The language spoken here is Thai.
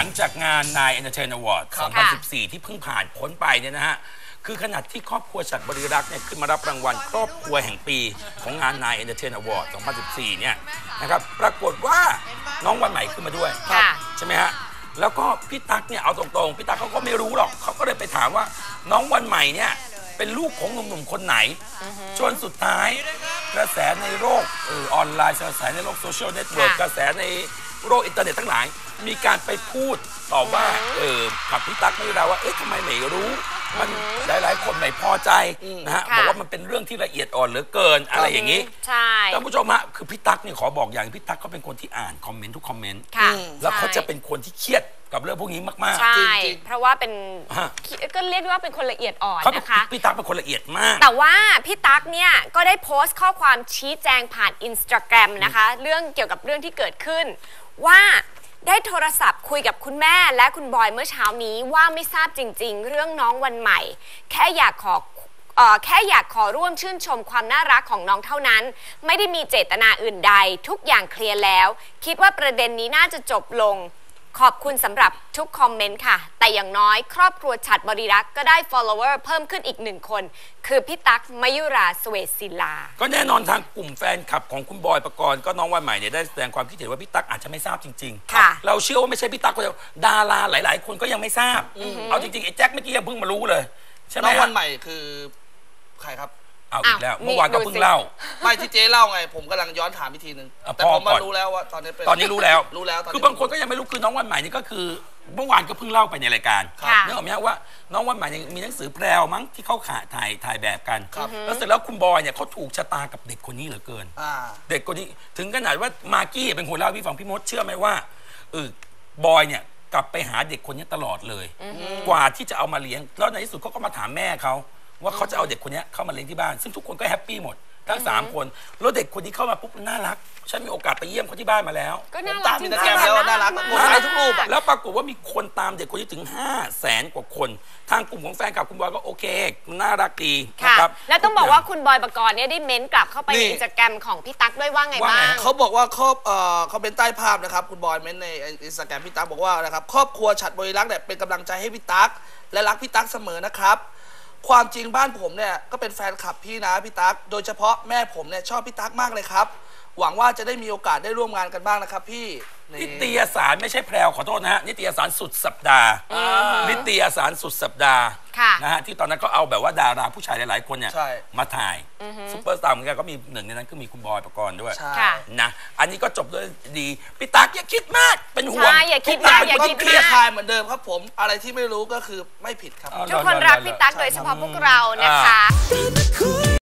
งจากงานนาย Entertainment Award 2014 ที่เพิ่งผ่านพ้นไปเนี่ยนะฮะคือขนาดที่ครอบครัวฉัตรบริรักษ์เนี่ยขึ้นมารับรางวัลครอบครัวแห่งปีของงานนาย Entertainment Award 2014 เนี่ยนะครับปรากฏว่าน้องวันใหม่ขึ้นมาด้วยใช่ไหมฮะแล้วก็พี่ตั๊กเนี่ยเอาตรงๆพี่ตั๊กเขาก็ไม่รู้หรอกเขาก็เลยไปถามว่าน้องวันใหม่เนี่ยเป็นลูกของหนุ่มๆคนไหนจนสุดท้ายกระแสในโลกออนไลน์กระแสในโลกโซเชียลเน็ตเวิร์กกระแสในโลกอินเทอร์เน็ตทั้งหลายมีการไปพูดต่อว่ากับพี่ตั๊กไม่ได้ว่าทำไมไม่รู้มันหลายๆคนไม่พอใจนะฮะบอกว่ามันเป็นเรื่องที่ละเอียดอ่อนเหลือเกินอะไรอย่างนี้ใช่ท่านผู้ชมฮะคือพี่ตั๊กเนี่ยขอบอกอย่างพี่ตั๊กเขาเป็นคนที่อ่านคอมเมนต์ทุกคอมเมนต์แล้วเขาจะเป็นคนที่เครียดกับเรื่องพวกนี้มากๆใช่เพราะว่าเป็นก็เรียกว่าเป็นคนละเอียดอ่อนนะคะพี่ตั๊กเป็นคนละเอียดมากแต่ว่าพี่ตั๊กเนี่ยก็ได้โพสต์ข้อความชี้แจงผ่าน Instagram นะคะเรื่องเกี่ยวกับเรื่องที่เกิดขึ้นว่าได้โทรศัพท์คุยกับคุณแม่และคุณบอยเมื่อเช้านี้ว่าไม่ทราบจริงๆเรื่องน้องวันใหม่แค่อยากขอร่วมชื่นชมความน่ารักของน้องเท่านั้นไม่ได้มีเจตนาอื่นใดทุกอย่างเคลียร์แล้วคิดว่าประเด็นนี้น่าจะจบลงขอบคุณสำหรับทุกคอมเมนต์ค่ะแต่อย่างน้อยครอบครัวฉัตรบริรักษ์ก็ได้ follower เพิ่มขึ้นอีก1 คนคือพี่ตั๊กมยุราสเวศิลาก็แน่นอนทางกลุ่มแฟนคลับของคุณบอยปกรณ์ก็น้องวันใหม่เนี่ยได้แสดงความคิดเห็นว่าพี่ตั๊กอาจจะไม่ทราบจริงๆเราเชื่อว่าไม่ใช่พี่ตั๊กคนเดียวดาราหลายๆคนก็ยังไม่ทราบเอาจริงๆไอ้แจ็คเมื่อกี้ยังเพิ่งมารู้เลยใช่ไหมน้องวันใหม่คือใครครับเอาอีกแล้วเมื่อวานก็เพิ่งเล่าไม่ที่เจ๊เล่าไงผมกำลังย้อนถามอีกทีนึงแต่ผมมารู้แล้วว่าตอนนี้รู้แล้วคือบางคนก็ยังไม่รู้คือน้องวันใหม่นี่ก็คือเมื่อวานก็เพิ่งเล่าไปในรายการนึกออกไหมว่าน้องวันใหม่มีหนังสือแพรวมั้งที่เขาถ่ายแบบกันแล้วเสร็จแล้วคุณบอยเนี่ยเขาถูกชะตากับเด็กคนนี้เหลือเกินเด็กคนนี้ถึงขนาดว่ามากกี้เป็นคนเล่าพี่ฟังพี่มดเชื่อไหมว่าบอยเนี่ยกลับไปหาเด็กคนนี้ตลอดเลยกว่าที่จะเอามาเลี้ยงแล้วในที่สุดเขาก็มาถามแม่เขาว่าเขาจะเอาเด็กคนนี้เข้ามาเลี้ยงที่บ้านซึ่งทุกคนก็แฮปปี้หมดทั้ง3 คนแล้วเด็กคนนี้เข้ามาปุ๊บน่ารักฉันมีโอกาสไปเยี่ยมเขาที่บ้านมาแล้วก็น่ารักจริงๆแล้วน่ารักหมดเลยทุกรูปแล้วปรากฏว่ามีคนตามเด็กคนนี้ถึง500,000 กว่าคนทางกลุ่มของแฟนคลับคุณบอยก็โอเคน่ารักดีนะครับแล้วต้องบอกว่าคุณบอยปกรณ์เนี่ยได้เม้นต์กลับเข้าไปในอินสตาแกรมของพี่ตั๊กด้วยว่าไงบ้างเขาบอกว่าเขาเป็นใต้ภาพนะครับคุณบอยเม้นต์ในอินสตาแกรมพี่ตั๊กบอกว่านะครับครอบครัวฉัตรบริรักษ์เนี่ยเป็นกำลังใจให้พี่ตั๊กและรักพี่ตั๊กเสมอนะครับความจริงบ้านผมเนี่ยก็เป็นแฟนคลับพี่นะพี่ตั๊กโดยเฉพาะแม่ผมเนี่ยชอบพี่ตั๊กมากเลยครับหวังว่าจะได้มีโอกาสได้ร่วมงานกันบ้างนะครับพี่นิตยสารไม่ใช่แพรวขอโทษนะฮะนิตยสารสุดสัปดาห์นิตยสารสุดสัปดาห์นะฮะที่ตอนนั้นก็เอาแบบว่าดาราผู้ชายหลายๆคนเนี่ยมาถ่ายซุปเปอร์สตาร์เหมือนกันก็มีหนึ่งในนั้นก็มีคุณบอยปกรณ์ด้วยนะอันนี้ก็จบด้วยดีพี่ตั๊กอย่าคิดมากเป็นห่วงอย่าคิดมากอย่าคิดมากทายเหมือนเดิมครับผมอะไรที่ไม่รู้ก็คือไม่ผิดครับทุกคนรักพี่ตั๊กโดยเฉพาะพวกเรานะคะ